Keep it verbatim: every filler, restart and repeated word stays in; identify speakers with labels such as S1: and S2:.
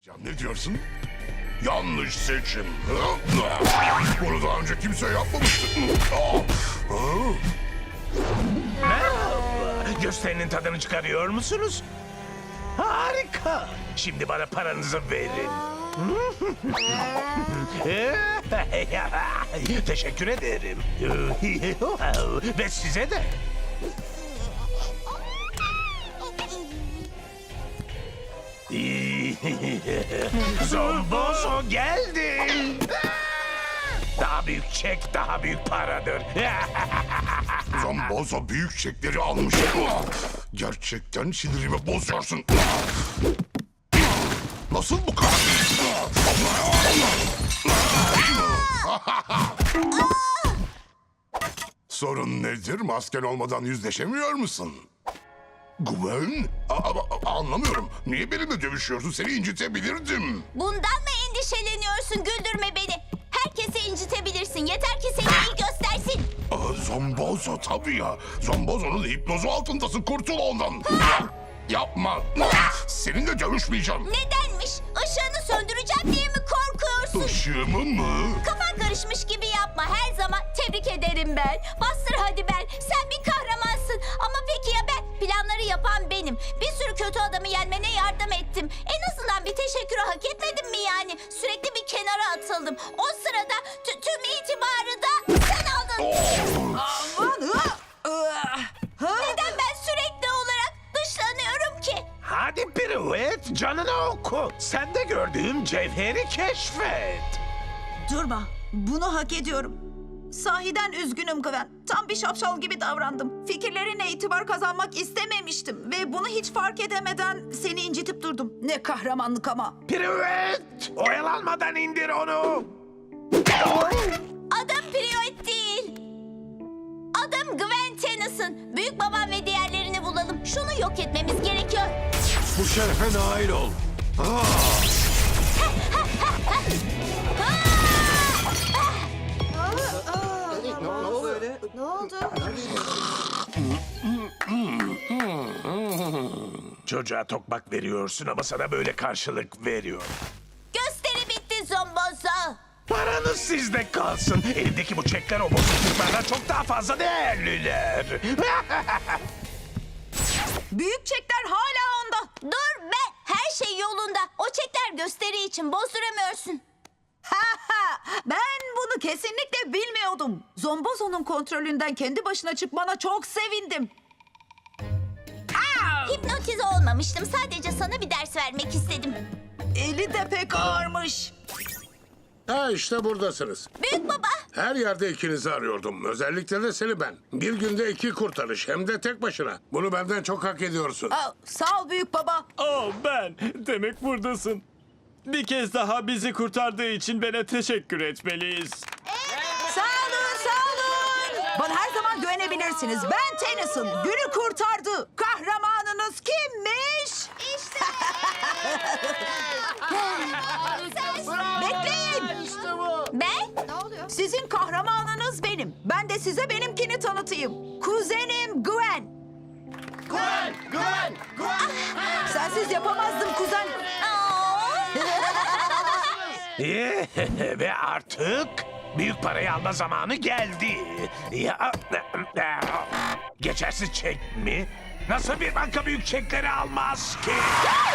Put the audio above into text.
S1: Ya ne diyorsun? Yanlış seçim. Bunu daha önce kimse yapmamıştı.
S2: Merhaba. Gösterinin tadını çıkarıyor musunuz? Harika. Şimdi bana paranızı verin. Teşekkür ederim. Ve size de. Zombozo geldi. Daha büyük çek, daha büyük paradır.
S1: Zombozo büyük çekleri almış. Gerçekten sinirimi bozuyorsun. Nasıl bu kadar? Sorun nedir? Masken olmadan yüzleşemiyor musun? Gwen? A- a- anlamıyorum. Niye benimle dövüşüyorsun? Seni incitebilirdim.
S3: Bundan mı endişeleniyorsun? Güldürme beni. Herkesi incitebilirsin. Yeter ki seni iyi göstersin.
S1: Aa, Zombozo tabii ya. Zombozo'nun hipnozu altındasın. Kurtul ondan. Yapma. Seninle dövüşmeyeceğim.
S3: Nedenmiş? Işığını söndüreceğim diye mi korkuyorsun?
S1: Işığımı mı?
S3: Kafan karışmış gibi yapma her zaman. Tebrik ederim ben. Bastır hadi ben. Sen bir kahramansın. Ama peki ya ben? Planları yapan benim. Bir sürü kötü adamı yenmene yardım ettim. En azından bir teşekkürü hak etmedim mi yani? Sürekli bir kenara atıldım. O sırada tü- tüm itibarı da sen aldın. Neden ben sürekli olarak dışlanıyorum ki?
S2: Hadi piruet, canını oku. Sen de gördüğüm cevheri keşfet.
S4: Durma. Bunu hak ediyorum. Sahiden üzgünüm Gwen. Tam bir şapşal gibi davrandım. Fikirlerine itibar kazanmak istememiştim. Ve bunu hiç fark edemeden seni incitip durdum. Ne kahramanlık ama.
S2: Piruet, oyalanmadan indir onu.
S3: Adım Priyot değil. Adım Gwen Tennyson. Büyük babam ve diğerlerini bulalım. Şunu yok etmemiz gerekiyor.
S5: Bu şerefe nail ol.
S4: Ne oldu?
S2: Çocuğa tokmak veriyorsun ama sana böyle karşılık veriyor.
S3: Gösteri bitti Zombozo.
S2: Paranız sizde kalsın. Elimdeki bu çekler o bozukluklardan çok daha fazla değerliler.
S4: Büyük çekler hala onda.
S3: Dur be. Her şey yolunda. O çekler gösteri için bozduramıyorsun.
S4: Ha ha! Ben bunu kesinlikle bilmiyordum. Zombozo'nun kontrolünden kendi başına çıkmana çok sevindim.
S3: Hipnotize olmamıştım. Sadece sana bir ders vermek istedim.
S4: Eli de pek ağırmış.
S6: Ha işte buradasınız.
S3: Büyük baba.
S6: Her yerde ikinizi arıyordum. Özellikle de seni ben. Bir günde iki kurtarış hem de tek başına. Bunu benden çok hak ediyorsun.
S4: Aa, sağ ol büyük baba.
S5: Oh ben. Demek buradasın. Bir kez daha bizi kurtardığı için bana teşekkür etmeliyiz.
S4: Sağ olun, sağ olun. Bana her zaman güvenebilirsiniz. Ben Tennyson. Günü kurtardı. Kahramanınız kimmiş?
S3: İşte.
S4: Bekleyin.
S3: Ben?
S4: Sizin kahramanınız benim. Ben de size benimkini tanıtayım. Kuzenim Gwen. Gwen, Gwen, Gwen. Sensiz yapamazdım kuzen.
S2: Ve artık büyük parayı alma zamanı geldi. Ya, geçersiz çek mi? Nasıl bir banka büyük çekleri almaz ki?